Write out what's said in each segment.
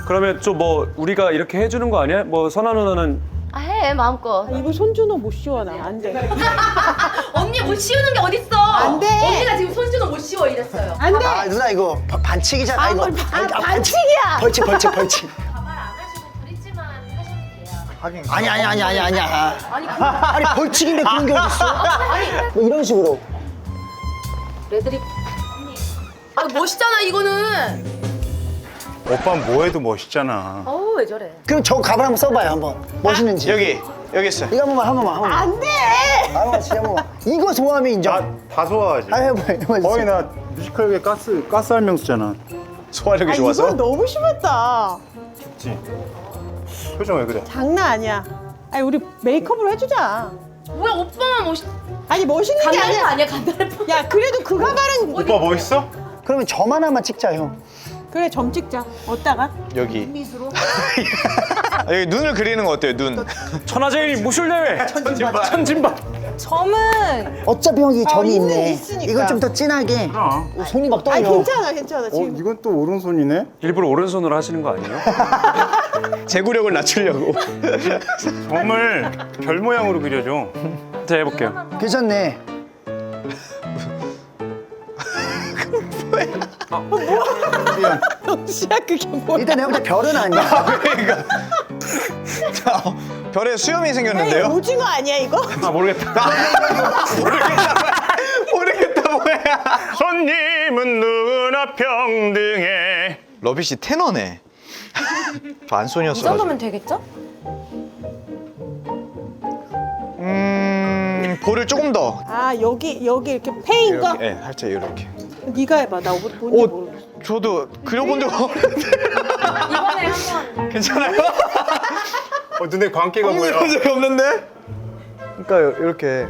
그러면 좀 뭐 우리가 이렇게 해주는 거 아니야? 뭐 선아 누나는 아, 해 마음껏. 이거 손준호 못 씌워 나. 안 돼. 언니 못 씌우는 게 어딨어? 안 돼. 언니가 지금 손준호 못 씌워 이랬어요. 안 돼. 아 누나 이거 반칙이잖아 이거. 반칙이야. 벌칙. 가발 안 하시고 브릿지만 하셔도 돼요. 아니야. 아니 벌칙인데 그런 게 어딨어? 뭐 이런 식으로. 레드립. 아 멋있잖아 이거는. 오빠는 뭐해도 멋있잖아. 어우 왜 저래? 그럼 저 가발 한번 써봐요 한번. 멋있는지. 여기 있어. 이거 한 번만. 안 돼. 한 번만 진짜 한 번만. 이거 좋아하면 인정. 다 소화하지. 아 해봐. 거의 나 뮤지컬계 가스 할명수잖아. 소화력이 아, 이건 너무 심했다. 그치? 표정 왜 그래? 장난 아니야. 아니 우리 메이크업으로 해주자. 왜 오빠만 멋있? 아니 멋있는 게 간달프 아니야. 아니야 간달프? 야 그래도 그 가발은 오빠 멋있어? 그러면 점 하나만 찍자 형. 그래 점 찍자. 어디다가? 여기. 여기 눈을 그리는 거 어때요? 눈. 천하제일 무술대회 천진박. 점은 어차피 형이 점이 있는 있네. 있으니까. 이건 좀 더 진하게. 그럼. 손이 막 떨려. 아니 괜찮아 지금. 이건 또 오른손이네? 일부러 오른손으로 하시는 거 아니에요? 제구력을 낮추려고. 점을 별 모양으로 그려줘. 자 해볼게요. 괜찮네. 시야 그게 뭐야? 일단 내가 볼때 별은 아니야. 별에 수염이 아니, 생겼는데요? 오징어 아니야 이거? 아 모르겠다. 모르겠다 뭐야. 손님은 누구나 평등해. 러비 씨 테너네. 저 안손이었어. 이 정도면 되겠죠? 볼을 조금 더. 아 여기 이렇게 패인 거? 네, 살짝 이렇게. 네가 해봐. 나 뭔지 모르겠어. 저도 그려본 적 없는데. 이번에 한번 괜찮아요? 눈에 광기가 보여. 그려본 적이 없는데? 그러니까 이렇게.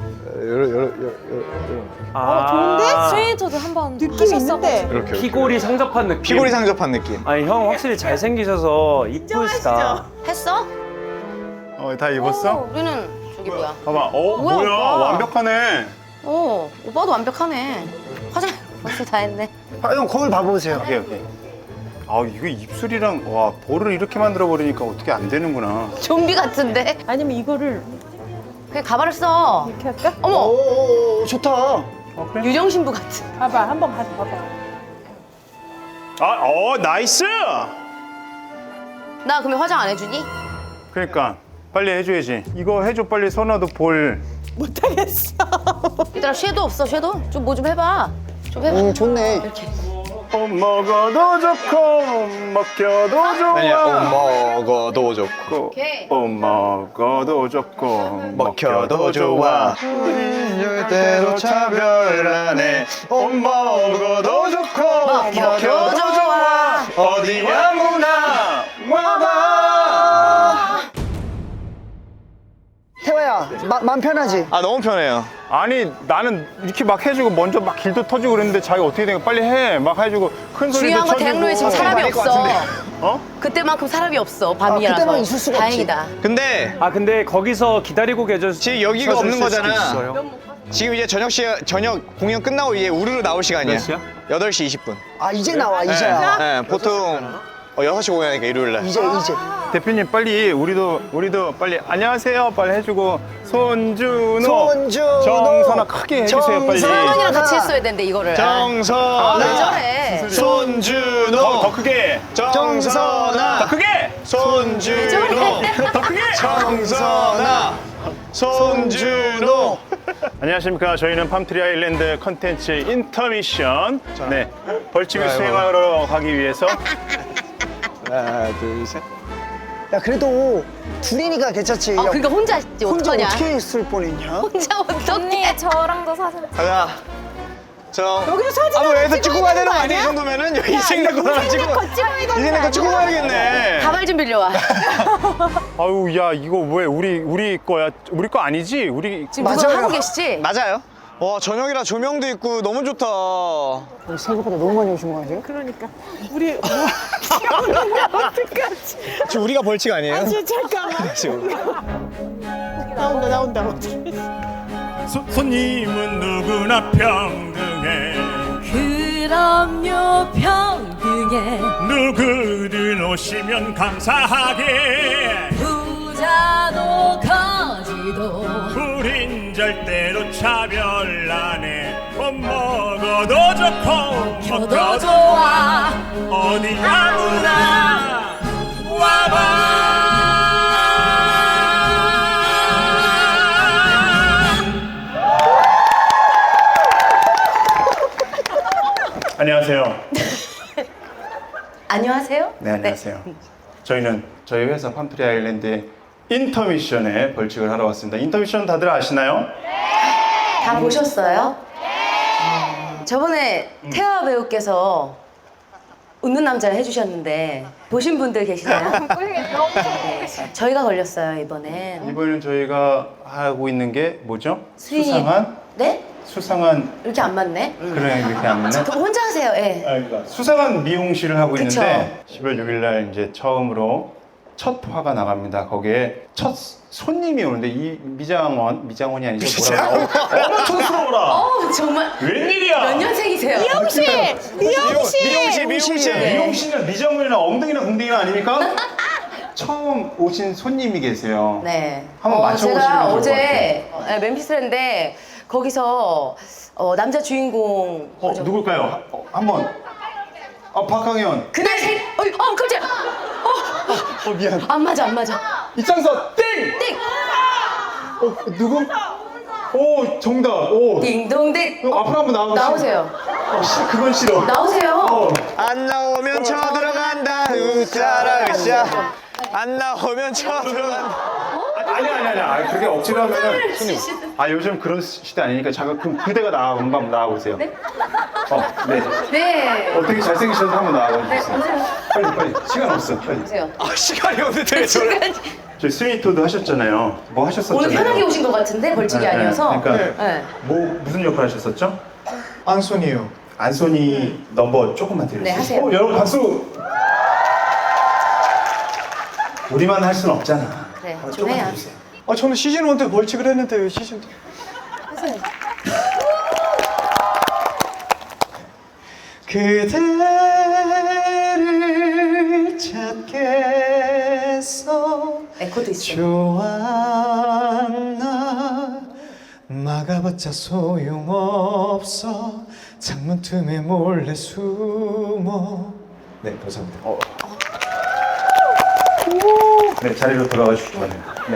아, 좋은데? 스웨이터도 한번 느낌 있는데. 이렇게. 피골이 상접한 느낌. 피골이 상접한 느낌. 아니 형 확실히 잘생기셔서 이쁘시다. 했어? 다 입었어? 우리는 저기 뭐야? 봐봐. 뭐야, 뭐야? 오빠. 완벽하네. 오빠도 완벽하네. 화장 벌써 다 했네. 아, 형 거울 봐보세요. 오케이. 아 이거 입술이랑 와 볼을 이렇게 만들어 버리니까 어떻게 안 되는구나. 좀비 같은데? 아니면 이거를 그냥 가발을 써. 이렇게 할까? 어머 오 좋다. 유정신부 같은. 봐봐 한번 가서 봐봐. 나이스. 나 그러면 화장 안 해주니? 그러니까 빨리 해줘야지. 이거 해줘 빨리. 선아도 볼. 못하겠어. 얘들아 섀도우 없어 섀도우? 좀 뭐 좀 해봐. 좀 해봐. 좋네. 이렇게. 먹어도 좋고 먹혀도 좋아. 아니야, 먹어도 좋고. 오케이. 먹어도 좋고 먹혀도 좋아. 절대로 차별 안 해. 먹어도 좋고. 먹혀도 좋아. 어디 아무나 와봐. 태화야, 마음 편하지? 아, 너무 편해요. 아니 나는 이렇게 막 해주고 먼저 막 길도 터지고 그랬는데 자기가 어떻게 된 거야. 빨리 해. 막 해주고 큰 소리도 중요한 건 쳐주고. 대학로에 지금 사람이 아닐 것 없어. 어? 그때만큼 사람이 없어 밤이라서. 그때만 있을 수가 없지. 다행이다. 근데 아 근데 거기서 기다리고 계셨. 지금 여기가 없는 거잖아. 있어요. 지금 이제 저녁 공연 끝나고 이제 우르르 나올 시간이야. 몇 시야? 8시 20분. 아 이제 나와 이제야. 네, 보통 6시 공연이니까 일요일 날. 이제. 대표님 빨리 우리도 빨리 안녕하세요 빨리 해주고 손준호 손준호. 정선아 크게 해주세요 빨리. 서원이랑 같이 했어야 되는데 이거를. 왜 정선아, 저래? 손준호, 더 크게 정선아, 더 크게 손준호, 더 크게. 정선아, 손준호. 안녕하십니까. 저희는 팜트리 아일랜드 컨텐츠 인터미션. 네, 벌칙을 수행하러 가기 위해서 하나, 둘, 셋. 야 그래도 둘이니까 괜찮지. 야, 그러니까 혼자 했지 혼자 어떡하냐? 어떻게 했을 뻔했냐? 혼자 어떡해? 저랑도 사진. 가자. 여기서 사진 아, 뭐 하나 여기서 찍고 가야 되는 거 거 아니야? 이 정도면은 여기 인생 거 하나 찍고. 인생 거 찍고 가야겠네. 가발 좀 빌려와. 아유 야 이거 왜 우리 거야? 우리 거 아니지? 우리 지금 누가 맞아요. 하고 계시지? 맞아요. 와, 저녁이라 조명도 있고 너무 좋다. 생각보다 너무 많이 오신 거 아니에요? 그러니까 우리 어떡하지? 지금 우리가 벌칙 아니에요? 아 진짜 잠깐만. 나온다. 어떡해. 손님은 누구나 평등해. 그럼요 평 등에 누구든 오시면 감사하게 부자도 거지도 우린 절대로 차별 안 해. 못 먹어도 좋고 켜도 좋아 어디 아무나 와봐. 안녕하세요. 안녕하세요. 네, 안녕하세요. 저희는 저희 회사 팜트리 아일랜드의 인터미션에 벌칙을 하러 왔습니다. 인터미션 다들 아시나요? 다 보셨어요? 저번에 태화 배우께서 웃는 남자를 해주셨는데 보신 분들 계시나요? 네, 저희가 걸렸어요 이번엔. 이번에는 저희가 하고 있는 게 뭐죠? 수인이- 수상한? 네? 수상한 이렇게 안 맞네. 그래 이렇게 안 맞네. 그럼 혼자 하세요. 예. 그러니까 수상한 미용실을 하고 그쵸. 있는데 10월 6일 날 이제 처음으로 첫 화가 나갑니다. 거기에 첫 손님이 오는데 이 미장원이 아니죠? 뭐라고? 어머 촌스러워라. 정말 웬일이야? 몇 년생이세요? 미용실이나 미장원이나 엉덩이나 궁둥이나 아닙니까? 처음 오신 손님이 계세요. 네. 한번 맞춰보시면 제가 좋을 것 어제 멤피스인데 거기서 남자 주인공 누굴까요? 한번. 박항현. 그날 깜짝이야. 미안. 안 맞아. 입장서 땡. 띵. 누구? 오 정답. 오. 띵동댕. 앞으로 한번 나오세요. 그건 싫어. 나오세요. 안 나오면 쳐들어간다. 웃자라 으쌰. 안 나오면 쳐들어간다. 아니. 그렇게 억지로 하면은 손님. 요즘 그런 시대 아니니까 잠깐 그럼 그대가 한번 나와보세요. 네? 네. 네. 어떻게 잘생기셔서 한번 나와보세요. 빨리. 시간 없어. 빨리. 보세요. 시간이 없는데 왜 저래? 저희 스위트도 하셨잖아요. 뭐 하셨었잖아요. 오늘 편하게 오신 것 같은데 벌칙이 아니어서. 그러니까 네. 무슨 역할 하셨었죠? 안손이요. 안소니 넘버 조금만 드려주세요. 네, 하세요. 여러분 박수. 우리만 할 수는 없잖아. 네, 좀 조금만 해야. 해주세요. 저는 시즌 1 때 벌칙을 했는데 왜 시즌 2? 하세요. 그대를 찾겠어. 에코도 있어요. 좋았나 막아봤자 소용없어. 창문 틈에 몰래 숨어. 네, 감사합니다. 네, 자리로 돌아가 주시기 바랍니다. 네.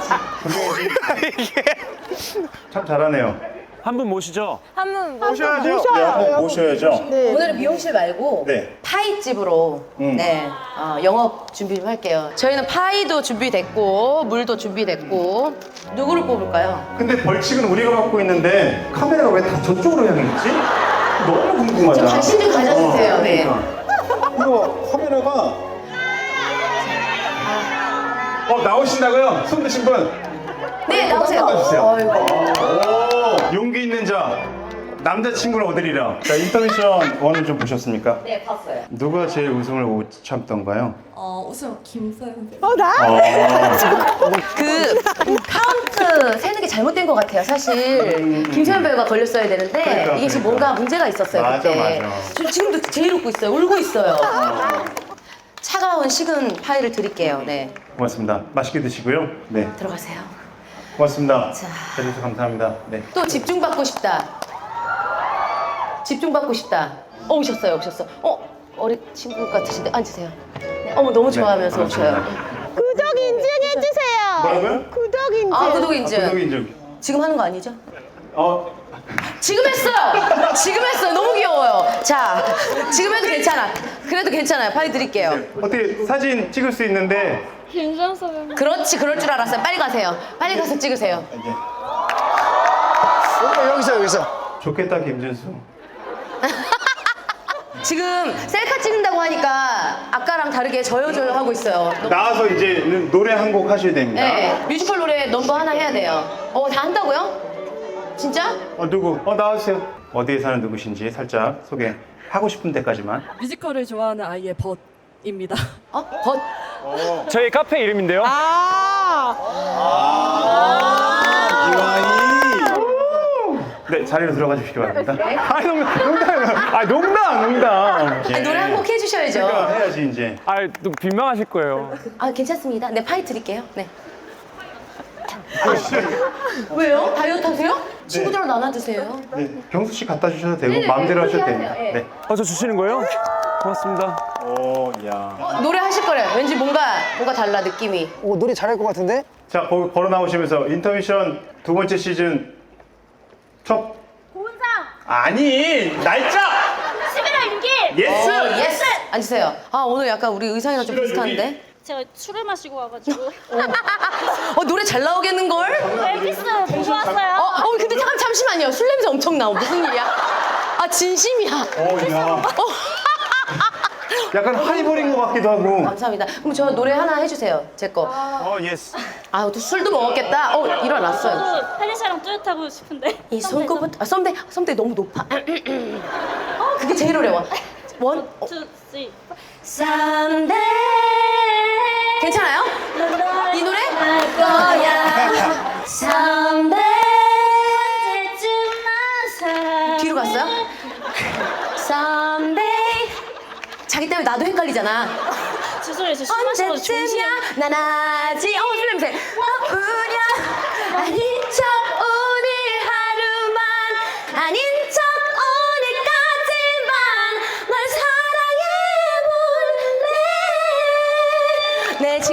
참 잘하네요. 한 분 모시죠. 모셔야죠. 네, 한번 모셔야죠. 오늘은 미용실 말고 네. 파이집으로 네, 영업 준비 좀 할게요. 저희는 파이도 준비됐고 물도 준비됐고 누구를 뽑을까요? 근데 벌칙은 우리가 받고 있는데 카메라가 왜 다 저쪽으로 향해 있지? 너무 궁금하다. 좀 관심 좀 가져주세요. 네. 이거 카메라가 나오신다고요? 손 드신 분? 네, 나오세요. 바꿔주세요. 어이구. 오, 용기 있는 자 남자친구를 얻으리라. 자, 인터미션 1을 좀 보셨습니까? 네, 봤어요. 누가 제일 웃음을 못 참던가요? 우선 김서영 배우 그 카운트 세는 게 잘못된 것 같아요. 사실 김세현 배우가 걸렸어야 되는데 이게 지금 뭔가 문제가 있었어요. 맞아, 그때. 맞아. 저 지금도 제일 웃고 있어요. 울고 있어요. 차가운 식은 파이를 드릴게요. 네, 고맙습니다. 맛있게 드시고요. 네, 들어가세요. 고맙습니다. 자. 해주셔서 감사합니다. 네. 또 집중받고 싶다. 집중받고 싶다. 오셨어요. 어린 친구 같으신데 앉으세요. 네, 너무 좋아하면서 오셔요. 구독 인증해주세요. 뭐라고요? 구독 인증. 구독 인증. 구독 인증. 지금 하는 거 아니죠? 지금 지금 했어요. 너무 귀여워요. 자, 지금 해도 괜찮아. 그래도 괜찮아요. 파이 드릴게요. 어떻게 사진 찍을 수 있는데 그렇지, 그럴 줄 알았어요. 빨리 가세요. 빨리 가서 찍으세요. 여기서. 좋겠다 김준수. 지금 셀카 찍는다고 하니까 아까랑 다르게 저요저요 하고 있어요. 나와서 이제 노래 한 곡 하셔야 됩니다. 네, 뮤지컬 노래 넘버 하나 해야 돼요. 다 한다고요? 진짜? 누구? 나와주세요. 어디에 사는 누구신지 살짝 소개하고 싶은 데까지만. 뮤지컬을 좋아하는 아이의 벗입니다. 벗? 저희 카페 이름인데요. 이와이. 네, 자리로 들어가 주시기 바랍니다. 아니, 농담. 아니, 노래 한 곡 해주셔야죠. 그러니까 해야지, 이제. 또 민망하실 거예요. 아, 괜찮습니다. 네, 파이 드릴게요. 네. 왜요? 다이어트 하세요? 친구들랑 나눠 드세요. 네, 경수 씨 갖다 주셔도 되고, 마음대로 하셔도 됩니다. 네. 저 주시는 거예요? 고맙습니다. 오, 야. 노래 하실 거래요. 왠지 뭔가 달라, 느낌이. 오, 노래 잘할 것 같은데? 자, 거기 걸어 나오시면서 인터미션 2번째 시즌 첫. 고은상 아니, 날짜! 11월 6일. 예스! 예스! 앉으세요. 아, 오늘 약간 우리 의상이랑 좀 11월 비슷한데? 제가 술을 마시고 와가지고 노래 잘 나오겠는걸? 앨비스 보고 왔어요. 근데 잠시만요. 술 냄새 엄청 나오. 무슨 일이야? 아, 진심이야. 오, 야. 약간 하이볼인 것 같기도 하고. 감사합니다. 그럼 저 노래 하나 해주세요. 제 거. 예스. 아, 또 술도 먹었겠다. 일어났어요. 저도 펠리샤랑 뚜렷하고 싶은데 이 손꼽은 썸데이 너무 높아. 그게 제일 어려워. 원, 투, 쓰리. 썸데이. 괜찮아요? 이 노래? 할 거야. Someday 언제쯤 뒤로 갔어요? Someday. 자기 때문에 나도 헷갈리잖아. 죄송해요. 저술 마시고 정신이 언제쯤이야 난 아직 술 냄새 우려 아닌 척 오늘 하루만 아닌 척 오늘까지만 널 사랑해볼래. 네,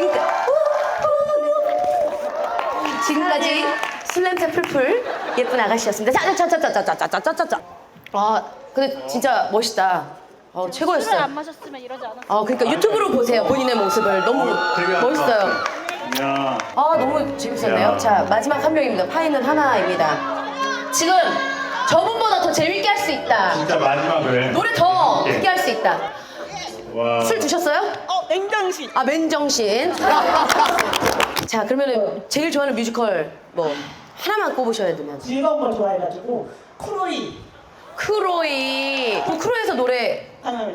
지금까지 술 냄새 풀풀 예쁜 아가씨였습니다. 자자자자자자자자자자. 아, 근데 진짜 멋있다. 술을 최고였어요. 안 마셨으면 이러지 않았어요. 그러니까 유튜브로 보세요. 본인의 모습을. 너무 되게 멋있어요. 야. 너무 재밌었네요. 야. 자, 마지막 한 명입니다. 파이는 하나입니다. 지금 저분보다 더 재밌게 할 수 있다. 진짜 마지막을. 노래 더 크게 할 수 있다. 와. 술 드셨어요? 맹정신. 맨정신. 자, 그러면은 제일 좋아하는 뮤지컬 뭐 하나만 꼽으셔야 되면. 즐거운 걸 좋아해가지고 크로이 크로이. 그럼 크로이에서 노래 가능합니다.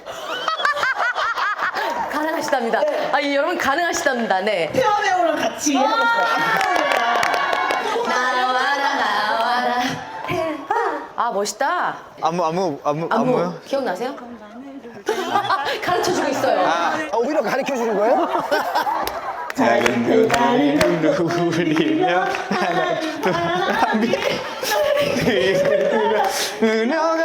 가능하시답니다. 여러분 가능하시답니다. 네. 태화 배우랑 같이 하고 싶어요. 나와라. 멋있다. 안무요? 기억나세요? 가르쳐주고 있어요. 오히려 가르쳐 주는 거예요? 작은 그날을 누리며 그녀가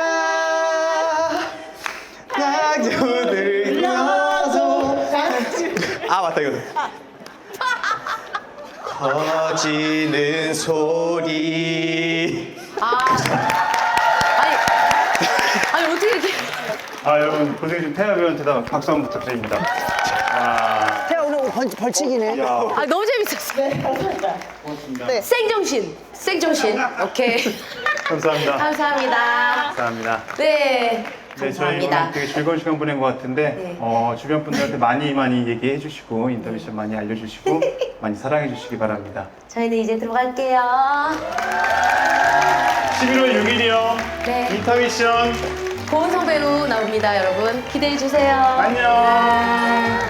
낙조들 켜서 맞다 이거 커지는 소리. 아니 어떻게 이렇게. 여러분 고생해주신 태아 배우한테다 박수 한번 부탁드립니다. 태아 오늘 벌칙이네. 너무 재밌었어요. 네. 생정신. 오케이. 감사합니다. 감사합니다. 감사합니다. 네. 네, 저희 감사합니다. 오늘 되게 즐거운 시간 보낸 것 같은데 네. 주변 분들한테 많이 얘기해 주시고 인터뷰션 많이 알려주시고 많이 사랑해 주시기 바랍니다. 저희는 이제 들어갈게요. 11월 6일이요. 네. 인터미션. 고은성 배우 나옵니다, 여러분. 기대해 주세요. 안녕.